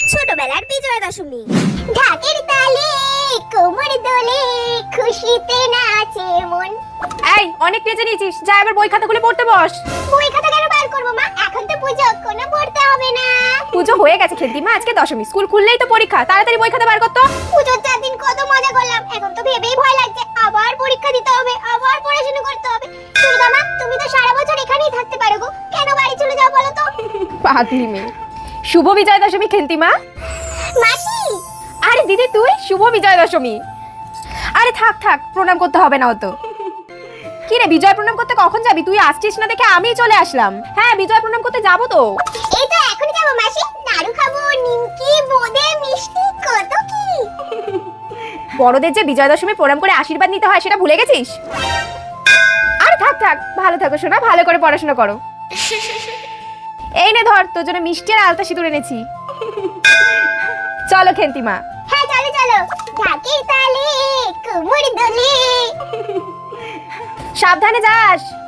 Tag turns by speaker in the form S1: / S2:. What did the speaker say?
S1: ছোটবেলার বিজয়া দশমী। ঢাকের তালে কোমর দোলে খুশিতে নাচে মন।
S2: এই অনেক পেঁচে নিয়েছিস, যা এবার বই খাতা খুলে পড়তে বস।
S1: বই খাতা কেন বার করবো মা? এখন তো পুজো, কোনো পড়তে হবে না।
S2: পুজো হয়ে গেছে খেলতিমা, আজকে দশমী, স্কুল খুললেই তো পরীক্ষা, তাড়াতাড়ি বই খাতা বার কর তো।
S1: পুজোর 4 দিন কত মজা করলাম, এখন তো ভেবেই ভয় লাগছে আবার পরীক্ষা দিতে হবে, আবার পড়াশোনা করতে হবে। দুর্গা মা, তুমি তো সারা বছর এখানেই থাকতে পারো গো, কেন বাড়ি চলে যাও বলো তো?
S2: পাগলি মেয়ে। শুভ বিজয়া দশমী খেলতিমা।
S1: মাসি,
S2: আরে দিদি তুই, শুভ বিজয়া দশমী। আরে থাক থাক, প্রণাম করতে হবে না অত। কি রে, বিজয় প্রণাম করতে কখন যাবি? তুই আসছিস না দেখে আমি চলে আসলাম। হ্যাঁ, বিজয় প্রণাম করতে যাবো তো।
S1: এই তো এখনই যাবো মাসি, নাড়ু খাবো, নিমকি, বোঁদে, মিষ্টি, কত কি।
S2: বড়দের যে বিজয়া দশমী প্রণাম করে আশীর্বাদ নিতে হয় সেটা ভুলে গেছিস? আরে থাক থাক, ভালো থাকো শোনা, ভালো করে পড়াশোনা করো। এই নে ধর, তোর জন্য মিষ্টি আর আলতা সিঁদুর এনেছি। চলো খেন্তিমা।
S1: হ্যাঁ চলো চলো। ঢাকের তালে কোমর দোলে।
S2: সাবধানে যাস।